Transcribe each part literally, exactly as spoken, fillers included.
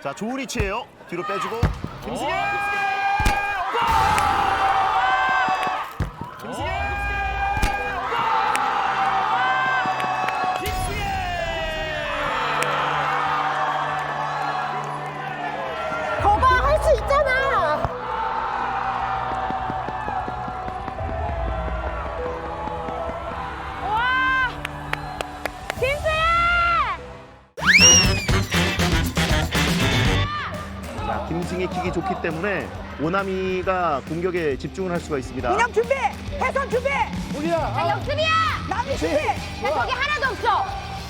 자, 좋은 위치예요. 뒤로 빼주고 김승혜! 김승혜! 거봐, 할 수 있잖아. 와, 김승혜! 자, 김승희 킥이 좋기 때문에 오나미가 공격에 집중을 할 수가 있습니다. 인형 준비, 해선 준비. 자, 역습이야! 남미 준비. 나 저기 하나도 없어!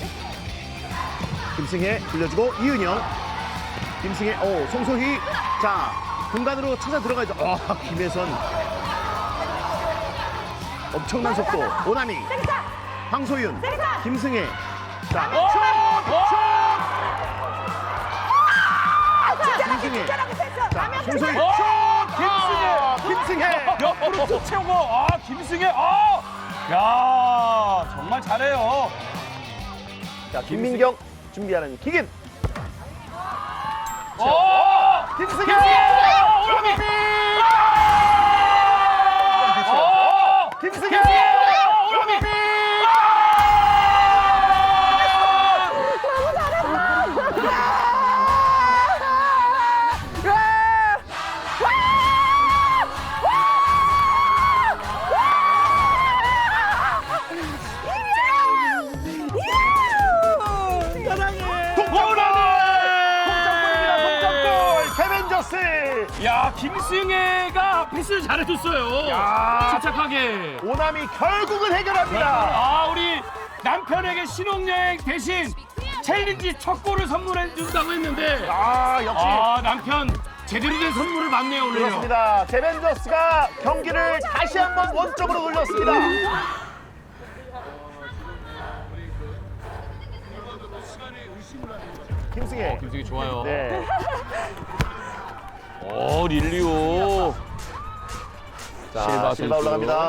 김승혜 돌려주고 이은영. 김승혜, 오, 송소희. 자, 공간으로 찾아 들어가야죠. 아, 김혜선. 엄청난 속도. 오나미. 황소윤. 김승혜. 자, 김승혜. 자, 송소희. 김승혜! 김승혜. 옆으로 툭 채우고, 아, 김승혜, 아! 야, 정말 잘해요. 자, 김민경 준비하는 킥인. 어! 김승혜. 오나미! 어! 김승혜. 오나미! 야, 김승혜가 패스를 잘해줬어요. 야. 침착하게. 오남이 결국은 해결합니다. 아, 우리 남편에게 신혼여행 대신 챌린지 첫 골을 선물해 준다고 했는데, 아, 역시 아, 남편 제대로 된 선물을 받네요, 오늘. 그렇습니다. 제벤저스가 경기를 다시 한번 원점으로 돌렸습니다. 김승혜. 김승혜 좋아요. 네. 오, 릴리오. 실바, 실바 올라갑니다.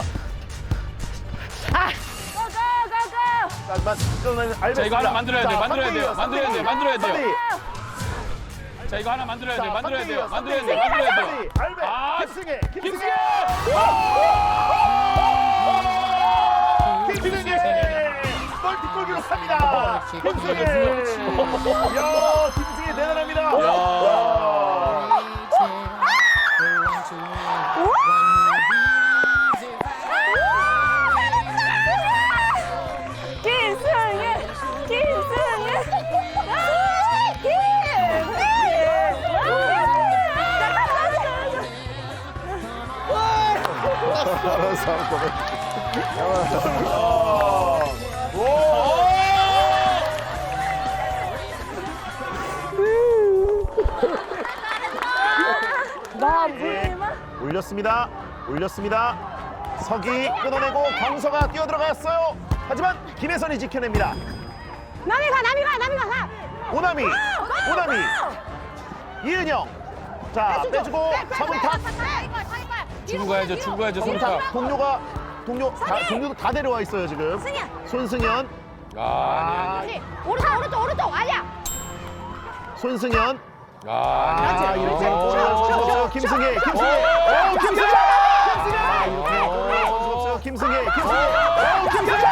고고고고! 하지만 이거는 알베스입니다. 자, 이거 하나 만들어야 돼요, 만들어야 돼요, 삼 대 만들어야 돼요, 만들어야 돼요. 삼 대 이. 자, 이거 하나 만들어야 돼, 자, 만들어야 삼 대 돼요, 이, 만들어야 삼 돼요, 대 이. 만들어야 삼 대 돼요. 이. 알베, 아, 김승혜, 김승혜. 김승혜! 김승혜! 멀티골 기록합니다. 김승혜! 이야, 김승혜 대단합니다. 야. 김승혜, 김승혜. 아, 알았어, 알았어. 나 물리마? 올렸습니다. 올렸습니다. 석이 끊어내고 경서가 뛰어들어갔어요. 하지만 김혜선이 지켜냅니다. 남이 가, 남이 가, 남이 가, 가. 오나미, 오나미, 이은영. 자, 빼주고 서문탁. 주고 가야죠, 주고 가야죠, 서문탁. 손탁. 동료가 동료 다 동료도 다 데려와 있어요 지금. 승현. 손승현, 아, 아니, 아니. 오른쪽, 오른쪽, 오른쪽, 아니야. 손승현. 아, 아, 아니, 이렇게 아니. 없어요. 김승혜, 김승혜. 오, 김승혜. 아, 이렇게 없어요. 김승혜, 김승혜. 오, 김승혜. 김승혜.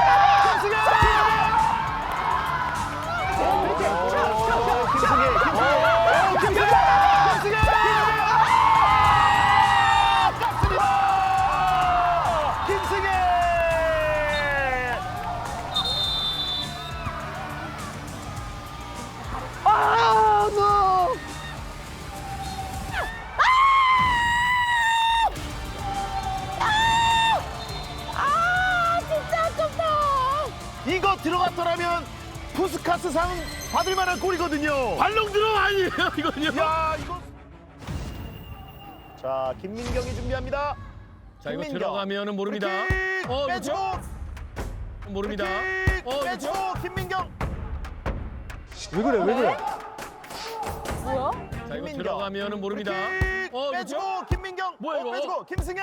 김승혜, 김승혜. 오, 김승혜. 김승혜. 깝습니다. 김승혜. 아, 노. 아, 진짜 아깝다. 이거 들어갔더라면 푸스카스상 받을 만한 골이거든요. 발롱드로 아니에요, 이거는요. 야, 이거. 자, 김민경이 준비합니다. 자, 이거 김민경. 들어가면은 모릅니다. 킥, 어, 빼주고. 모릅니다. 킥, 어, 빼주고 김민경. 왜 그래 왜 그래? 뭐야? 자, 이거 김민경. 들어가면은 모릅니다. 킥, 어, 빼주고 김민경. 뭐야, 어, 이거? 빼주고 김승혜.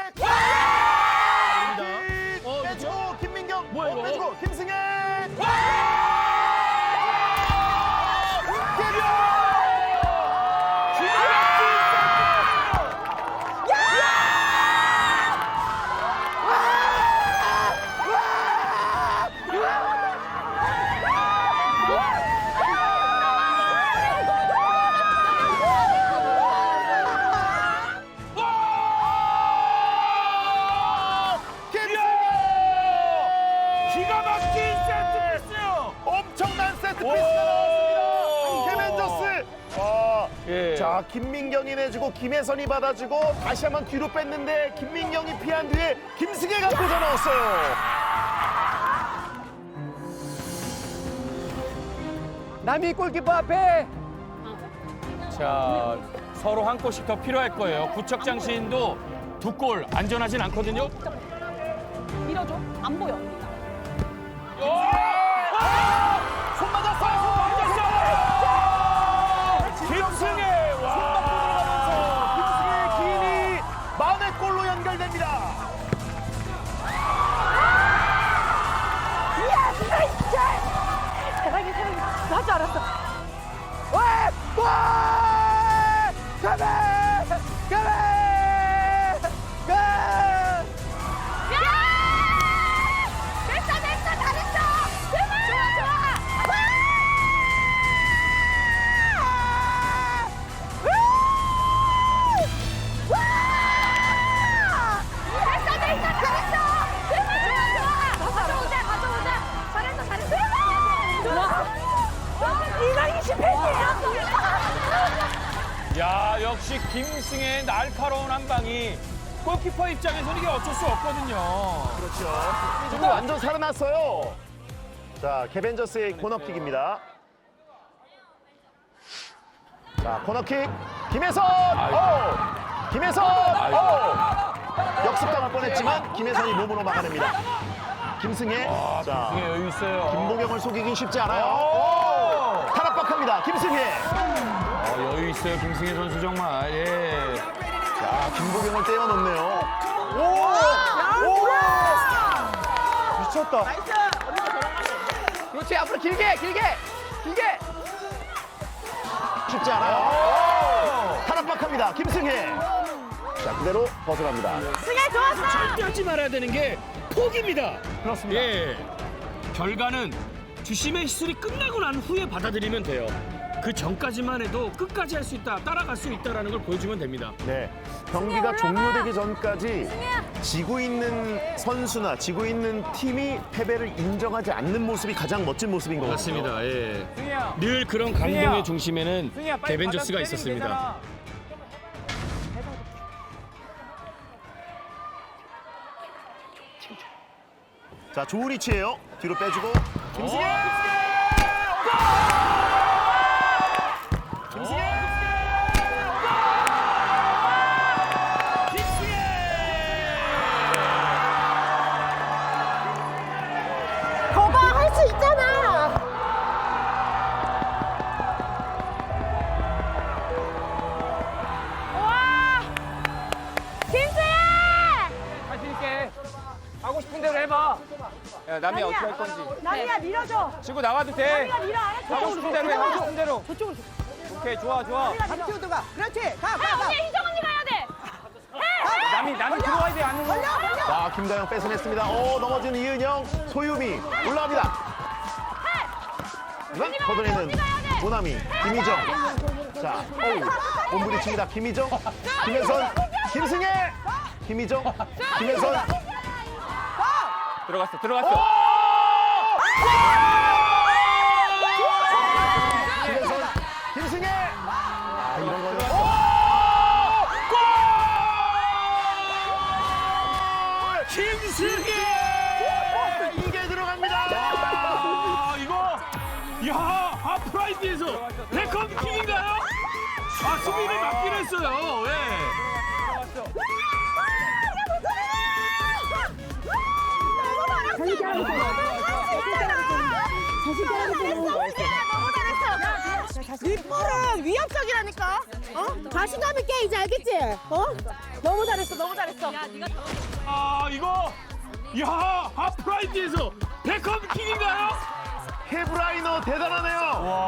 모릅니다. 킥, 어, 빼주고 김민경. 뭐야, 어, 이거? 빼주고 김승혜. 기가 막힌 세트 피스요. 엄청난 세트 피스가 나왔습니다. 케벤저스. 아, 예. 자, 김민경이 내주고 김혜선이 받아주고 다시 한번 뒤로 뺐는데 김민경이 피한 뒤에 김승혜가 꽂아 넣었어요. 남이 골키퍼 앞에. 자, 서로 한 골씩 더 필요할 거예요. 구척장신도 두 골 안전하진 않거든요. 밀어줘. 안 보여. 손 맞았어요. 손 맞았어요. 김승혜. 와. 김승혜의 기인이 만회 골로 연결됩니다. 야, 진짜. 대박이 대박이. 나줄 알았어. 와! 와! 가베! 가베! 가! 야! 됐어, 됐어, 잘했어. 좋아, 좋아. 와! 와! 됐어, 됐어, 잘했어. 좋아, 좋아. 가져오자, 가져오자. 잘했어, 잘했어. 좋아. 이백이십 페이지야. 야, 역시 김승혜의 날카로운 한 방이 골키퍼 입장에서는 이게 어쩔 수 없거든요. 그렇죠. 지금 완전 살아났어요. 자, 케벤저스의 코너킥입니다. 자, 코너킥. 김혜선. 오! 김혜선. 오! 역습당할 뻔했지만 김혜선이 몸으로 막아냅니다. 김승혜. 자, 김승혜 여유 있어요. 김보경을 속이긴 쉽지 않아요. 오! 탈압박합니다. 김승혜. 어, 여유 있어요, 김승혜 선수 정말. 예. 자, 김보경을 떼어놓네요. 미쳤다. 그렇지, 앞으로 길게, 길게, 길게. 쉽지 않아요. 탈압박합니다. 김승혜. 자, 그대로 벗어납니다. 승혜 좋았어. 절대 하지 말아야 되는 게 포기입니다. 그렇습니다. 예. 결과는 주심의 시술이 끝나고 난 후에 받아들이면 돼요. 그 전까지만 해도 끝까지 할 수 있다, 따라갈 수 있다라는 걸 보여주면 됩니다. 네, 경기가 종료되기 전까지 지고 있는 선수나 지고 있는 팀이 패배를 인정하지 않는 모습이 가장 멋진 모습인 것 같습니다. 맞습니다. 예. 승희야. 늘 그런 감동의 중심에는 승희야, 빨리 개벤저스가 받아 있었습니다. 때리면 자, 좋은 위치예요. 뒤로 빼주고 김승혜. 김승혜. 거봐, 할 수 있잖아. 와! 김수혜! 할수 있게. 하고 싶은 대로 해봐. 야, 남이 어떻게 할 건지. 남이야, 밀어줘. 치고 나와도 돼. 남이가 밀어, 알았어. 하고 싶은 대로 해. 하고 싶은 대로. 저쪽으로. 오케이, 좋아, 좋아. 남치우도 가. 그렇지. 가, 가, 아, 가. 언니, 희정 언니 가야 돼. 남이, 남이 들어와야 돼, 안으로. 자, 김다영 뺏어냈습니다. 오, 넘어지는 이은영, 소유미 올라갑니다. 네, 걷어내는 모나미, 김희정. 자, 어우, 몸부리칩니다. 김희정, 김혜선, 김승혜, 김희정, 김혜선. 들어갔어, 들어갔어. 김혜선, 김승혜. 아, 이런 거는. 김승혜! 이게 들어갑니다. 아, 이거, 야, 하프라이드에서 백컴킥인가요? 아, 수비를 맞긴 했어요. 예. 이 볼은 위협적이라니까. 어? 자신감 있게 이제 알겠지? 어? 너무 잘했어, 너무 잘했어. 야, 네가 아, 이거, 야, 하프라이드에서 백컴킥인가요? 헤브라이너 대단하네요.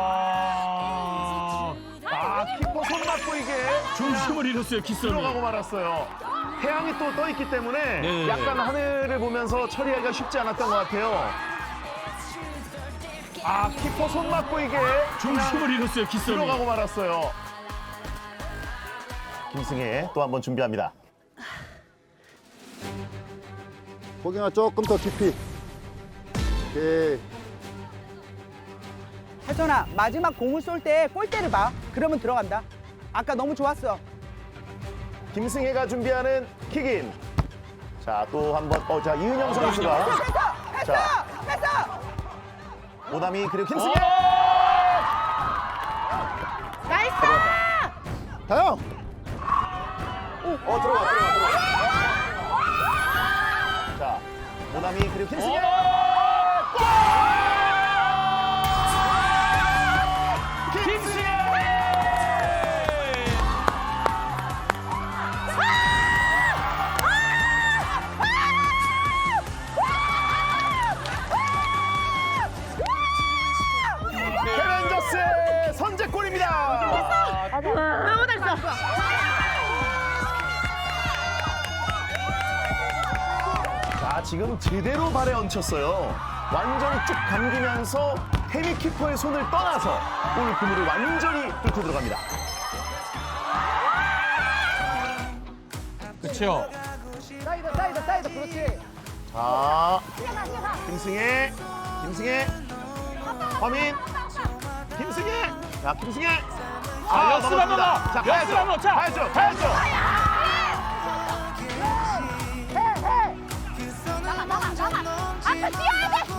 와. 아, 키퍼 손 맞고 이게 중심을 잃었어요, 기선이. 들어가고 말았어요. 태양이 또 떠 있기 때문에 네. 약간 하늘을 보면서 처리하기가 쉽지 않았던 것 같아요. 아, 키퍼 손 맞고 이게 중심을 잃었어요, 기선이. 들어가고 말았어요. 김승혜 또 한 번 준비합니다. 고경아 조금 더 깊이. 오케이. 혜선아, 마지막 공을 쏠 때 골대를 봐. 그러면 들어간다. 아까 너무 좋았어. 김승혜가 준비하는 킥인. 자, 또 한 번. 어, 자, 이은영 선수가. 했어, 했어, 자. 했어. 오남이 그리고 김승혜. 나이스! 다영. 어, 들어가, 들어가, 들어가. 자, 오남이 그리고 김승혜. 캐벤저스의 선제골입니다. 너무 잘했어. 자, 지금 제대로 발에 얹혔어요. 완전히 쭉 감기면서 해미 키퍼의 손을 떠나서 골 그물을 완전히 뚫고 들어갑니다. 그렇죠. 사이드, 사이드, 사이드. 그렇지. 자, 김승혜, 김승혜, 허민, 김승혜, 자, 김승혜. 자, 역습 한번 더. 자, 역습 가야죠. 한번. 자. 가야죠, 가야죠. 나가 나가 나가. 앞에 뛰어야 돼.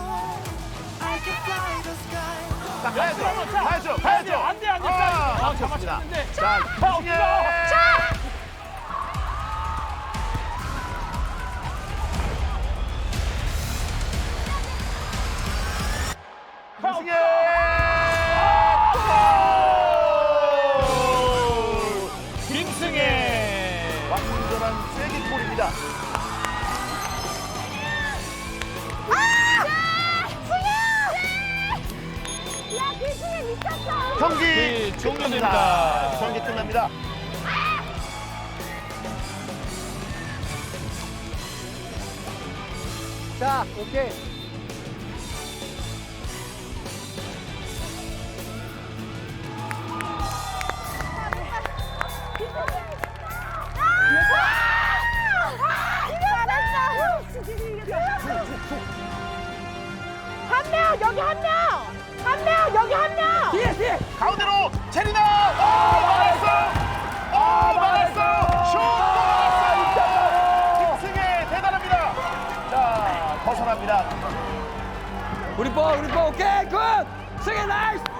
자, 가야죠, 한번 차. 가야죠, 가야죠. 안 돼, 안 돼. 아, 아, 막혔습니다. 잡았는데. 자, 김승혜. 김승혜. 김승혜. 완전한 쐐기골입니다. 야 김승혜 미쳤어. 경기 네, 끝납니다. 종료됩니다. 경기 끝납니다. 자, 오케이. 한 명, 여기 한 명! 한 명, 여기 한 명! 뒤에, 뒤에. 가운데로 체리나. 어, 막았어. 어, 막았어. 슛 막았어. 김승혜 대단합니다. 자, 벗어납니다. 우리 볼, 우리 볼. 오케이, 굿. 승혜 나이스.